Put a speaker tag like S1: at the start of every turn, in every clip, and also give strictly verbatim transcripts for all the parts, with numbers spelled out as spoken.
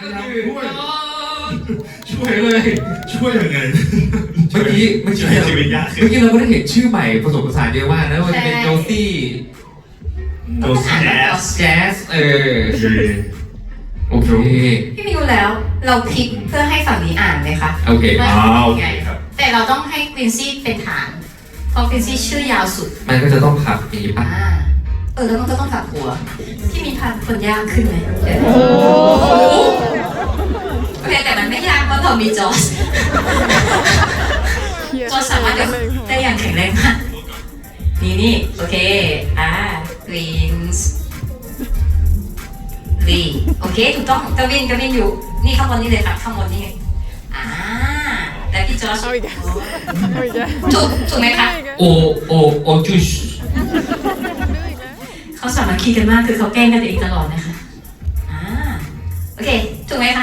S1: ก็คือ
S2: ช่วย
S1: ช่วยเลย
S2: ช่วยยังไง
S1: เมื่อกี้เมื่อกี้
S2: ชีวิตยากขึ้น
S1: เมื่อกี้เราก็ได้เห็นชื่อใหม่ผสมผสานเยอะมากนะว่าจะเป็นโจซี่
S2: โดสแจ๊ส
S1: แจ๊สเออโอเค
S3: พี่มิวแล้วเราพลิกเพื่อให้ฝั่งนี้อ่านไหมคะ
S1: โอเค
S3: ว่า
S2: อ๋อโอเคครับ
S3: แต่เราต้องให้ควินซี่เป็นฐานเพราะควินซี่ชื่อยาวสุด
S1: มันก็จะต้องขับอย่างนี้ป่ะ
S3: อ่าเออแล้วมันก็ต้องถักหัวที่มีพันคนยากขึ้นไหมเดี๋ยวโอเคแต่มันไม่ยากเพราะเรามีจอร์จจอร์จสามารถจะได้อย่างแข็งแรงมากนี่นี่โอเคอ่ากรีนส์ลีโอเคถูกต้องกวินกวินอยู่นี่ข้างบนนี่เลยครับข้างบนนี่ไงอ่าแล้วพี่จอร์จ
S4: เอาอีกแล้วเอาอีกแล้ว
S3: ถูกถูกไหมคะ
S1: โอโอโอจุช
S3: เขาสามัคคีกันมากคือเขาแกล้งกันเองตลอดนะคะอ่าโอเคถูกไหมคะ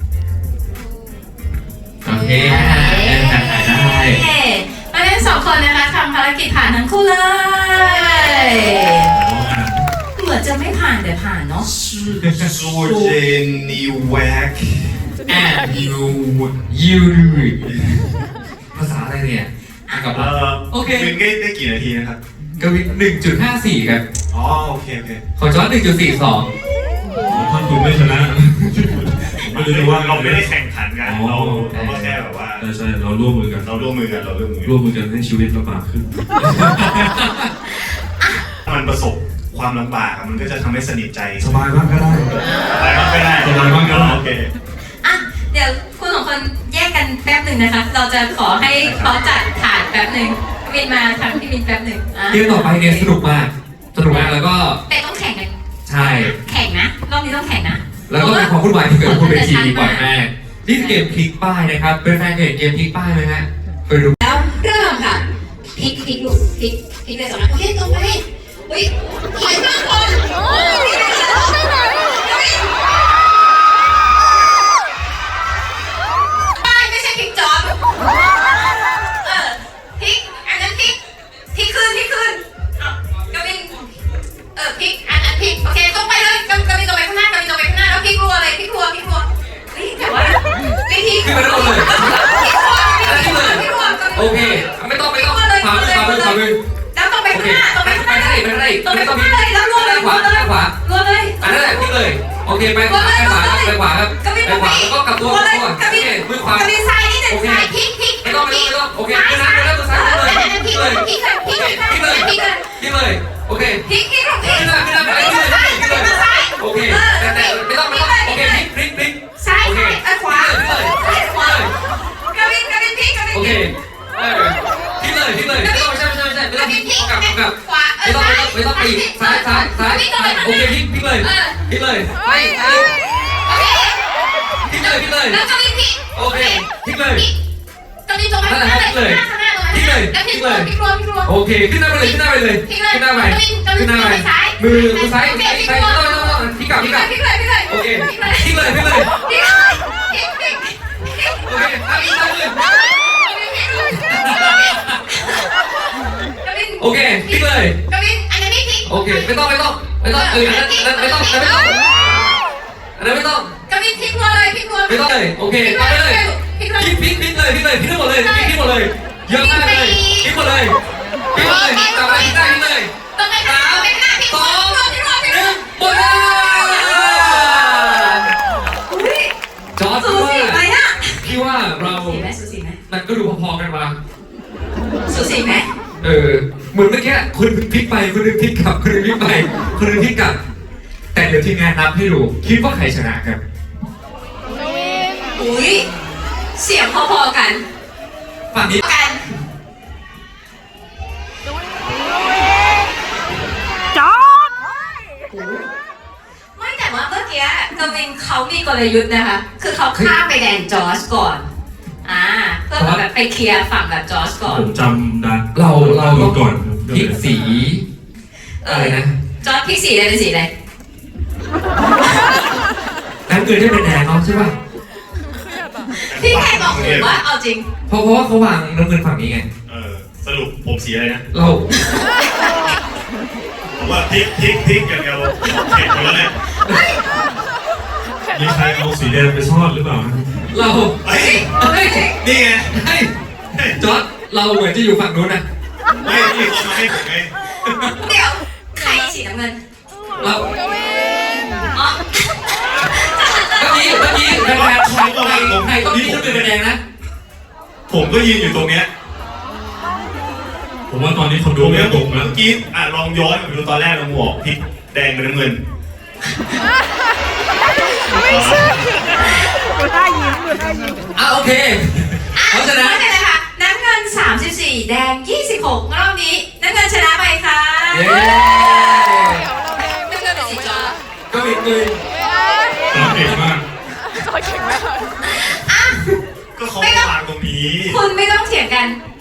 S1: โอเคอ่าได้
S3: มาเล่นสองคนนะคะทำภารกิจผ่านทั้งคู่เลย เหมือนจะไม่ผ่านแต่ผ่านเนาะ
S2: ซูเจนีแวก
S1: แอนยูยูภาษาอะไรเนี่ยอ่ะกลับ
S2: เอ่
S1: มา
S2: อ
S1: โอเค
S2: วินได้ได้กี่นาทีนะครับ
S1: กวินหนึ่งจุดห้าสี่ครับ
S2: อ๋อโอเคโอเค
S1: ของจอร์จหนึ่งจุดสี่สอง
S5: ถ้าคุณไม่ชนะไม่รู้จะว่า
S2: เราไม่ได้แข่งขันกัน
S5: อ๋อ
S2: เราเราก็แค่แบบว่า
S5: ใช่ใช่เราร่วมมือกัน
S2: เราร่วมมือกันเราร่วมมือกัน
S5: ร่วมมือกันให้ชีวิตลำบากขึ้น
S2: มันประสบความลำบากอะมันก็จะทำให้สนิทใจ
S5: สบายมากก็ได้
S2: อะไรบ้างก็ได้
S5: สบายมากก็ได้
S2: โอเค
S3: อ่ะเดี๋ยวคุณสองคนแยกกันแป๊บหนึ่งนะคะ เราจะขอให้เขาจัดฐานแป๊บหนึ่งวินมาทางพี่วินแป๊บหนึ่งอ่ะ
S1: เกมต่อไปเนี่ยสนุกมากสนุกมากแล้วก็
S3: แต่ต้องแข่งกัน
S1: ใช่
S3: แข่งนะรอบนี้ต้องแข่งนะ
S1: แล้วก็มีความวุ่นวายที่เกิดขึ้นบนเวทีบ่อยมากนี่คือเกมพลิกป้ายนะครับ เป็นแฟนเพจเกมพลิกป้ายไหมฮะไปดู
S3: แล้วเริ่มค่ะพลิกพลิกลูกพลิกพลิกเลยสองนะโอเคตรงไปอุ้ยถอยมาก่อนป้ายไม่ใช่พลิกจอบเออพลิกอันนั้นพลิกพลิกขึ้นพลิกขึ้นเอากวินเออพลิกอันนั้นพลิกโอเคตรงไปเลยกวินตรงไปข้างหน้ากวินตรงไปข้างหน้าแล้วพลิกรัวเลยพลิกรัวพลิกรัวเฮ้ยแต่ว่าวิธี
S1: ขึ้นไปแล้วเลย
S3: พลิกรัวพลิกรัวพลิกรัว
S1: โอเคไม่ต้องไม่ต้องขวามือขวามือขวามือ
S3: แล้วตรงไป
S1: โอ
S3: ข้าง
S1: เค
S3: หน้าตรงไป
S1: ไป
S3: ข้างหน้า
S1: ไปได้ไปได้
S3: ตรงไป
S1: ไม่ต้อง
S3: ข้างหน้าเลยแล้วรัวเลย
S1: ขวาขวา
S3: รัวเลย
S1: อันนั้นแหละพลิกเลยโอเคไปขวาไปขวาไปขวาครับไปขวาแล้วก็กลับตัว
S3: รัว
S1: ก
S3: เล
S1: ลับ
S3: ย
S1: ตัว
S3: กระ
S1: โอ
S3: บี่
S1: เคมือขวาก
S3: ระบี่ซ้ายนี่หนึ่งซ้ายพลิกพลิก
S1: ไม่ต้องไม่ต้องไม่ต้องโอเคมือซ้ายมือแล้วมือซ้ายเลย
S3: พลิก
S1: เลย
S3: พลิกเลยพลิกเลยพลิกเลยพลิกเลย
S1: พลิกเลยโอเค
S3: พลิกพลิกพลิก
S1: ขึ้นมาขึ้นมาไป
S3: พลิก
S1: ขึ้น
S3: ซ้าย
S1: เลยขึ้น
S3: พลิ
S1: เลย
S3: กซ้าย
S1: โอเคแต่แต่ไม่ต้องไม่ต้องโอเคพลิกพลิกพลิก
S3: ซ้ายซ้ายขวาซ้ายขวากระบี่กระบี่พลิกกระบี่
S1: โอเคเออพลิกเลยพลิกเลยไม่ต้องไม่ใช่ไม่ใช่ไม่ใช่ไม่
S3: ก
S1: ต้
S3: ระ
S1: องพลิ
S3: บี่
S1: ก
S3: พลิก
S1: กลับกลับ
S3: ขวา
S1: ไม่ต้องไม่ต้องปีซ้ายซ้ายซ้ายโอเคพลิกพลิกเลยพลิกเลยไปพลิกเลยพลิกเลย
S3: แล้วกระบี่พลิก
S1: โอเคพลิกเลย
S3: กระบี่ตรงไปข้างหน้าเลยข้างหน้าตรงนั้นแล้วพลิกรัวพลิกรัวพลิกรัว
S1: โอเคขึ้นหน้าไปเลยขึ้นหน้าไปเลยขึ้นหน้าไปขึ้นหน้าไปมือมือซ้ายซ้ายซ้ายต้องต้องต้องพลิกกลับพลิกกลับ
S3: พลิกเลยพลิกเลย
S1: โอเค
S3: พลิกเลย
S1: พลิกเลยพลิกเลย
S3: พลิกเลยพลิกพลิก
S1: โอเคตามอีกตามเลยโอเคพลิกเลย
S3: กวินอันนี้พลิก
S1: โอเคไม่ต้องไม่ต้องไม่ต้องเอออันนั้นอันนั้นไม่ต้องอันนั้นไม่ต้องอันนั้นไม่ต้อง
S3: กวินพลิกรัวเลยพลิกรัว
S1: ไม่ต้องเลยโอเคไปเลย
S3: พลิกเลย
S1: พลิกพลิกพลิกเลยพลิกเลยพลิกทั้งหมดเลยพลิกทั้งหมดเลยเยอะมากเลยพลิกหมดเลยพลิกหมดเลยกลับมาพลิกได้พลิกเลย
S3: ตรงไหนคะตรงไหนคะพลิก
S1: ส
S3: รั
S1: อ
S3: ว
S1: ง
S3: พลิกรัวพลิก
S1: ห
S3: รัว
S1: นึ่งหมดเวลา
S3: อุ้ย
S1: จอร์จ
S3: สู
S1: ว่า
S3: สีไหมอะ
S1: พี่ว่าเรา
S3: สูสีไหมสูสีไหม
S1: มันก็ดูพอๆกันมา
S3: สูสีไหม
S1: เออเหมือนเมื่อกี้คุณพลิกไปคุณนึงพลิกกลับคุณนึงพลิกไปคุณนึงพลิกกลับแต่เดี๋ยวทีมงานนับให้ดูคิดว่าใครชนะครับ
S3: อุ้ยเสียงพอๆกัน
S1: ฝั่งนี้
S3: กัน
S4: จอด
S3: ไม่แต่ว่าเมื่อกี้กวินเขามีกลยุทธ์นะคะ คือเขาข้ามไปแดนจอร์จก่อน อ่าเพื่อแบบไปเคลียร์ฝั่งแบบจอร์จก่อน
S5: ผมจำได้
S1: เราเราต้อง
S5: ก่อน
S1: พลิกสีอะไรนะ
S3: จอร์จพลิกสีอะไรเป็นสีอะไร
S1: น้ำเกลือได้เป็นแดงเนาะใช่ป่ะ
S3: พี่แค่บอกผมว่าเอาจริง
S1: เพราะเพราะว่าเขาวางน้ำเงินฝั่งนี้ไง
S2: เออสรุปผมสีอะไรนะ
S1: เรา
S2: ผมว่าพลิกพลิกพลิกอย่างเดียวเห็นหมดแล้วเลย
S4: แค่
S5: มีใครเอาสีแดงไปซ่อนหรือเปล่า
S1: เรา
S2: เฮ้ย
S1: เฮ้ย
S2: นี่ไง
S1: เฮ้ยจอร์ดเราเหมือนจะอยู่ฝั่งนู้นนะ
S2: ไม่พี่เขามาให้ผมไง
S3: เดี๋ยวใครสีน้ำเงิน
S1: เรา
S3: อ๋อ
S1: เมื่อกี้เมื่อกี้แดงแดงใครใครใครต้องมีชุดเป็นแดงนะ
S2: ผมก็ยืนอยู่ตรงเนี้ย
S5: ผมว่าตอนนี้คน
S2: ต
S5: ดู
S2: รง
S5: ไม่
S2: เนี้ย
S5: ต
S2: ผ
S5: ก
S2: ม
S5: แล้ว
S2: เมื่อกี้อ่ะลองย้อนไปดูตอนแรกเราหมวกพริกแดงกับน้ำเงิน
S4: ไม่ใช่ดูท่ายิ้มดูท่ายิ้ม
S1: อ่ะโอเคเพราะฉะนั้น
S3: ไม่เป็นไรค่ะน้ำเงินสามสิบสี่แดงยี่สิบหกรอบนี้น้ำเงินชนะไปค่ะ
S1: เย้
S3: น้ำเงินเป็นสีจอ
S1: ก็มีปืน
S5: ตอนเด็กมาก
S4: จอดเก่งมาก
S3: อ่ะ
S2: ก็เขาวางตรงนี้
S3: คุณไม่ต้องเถียงกัน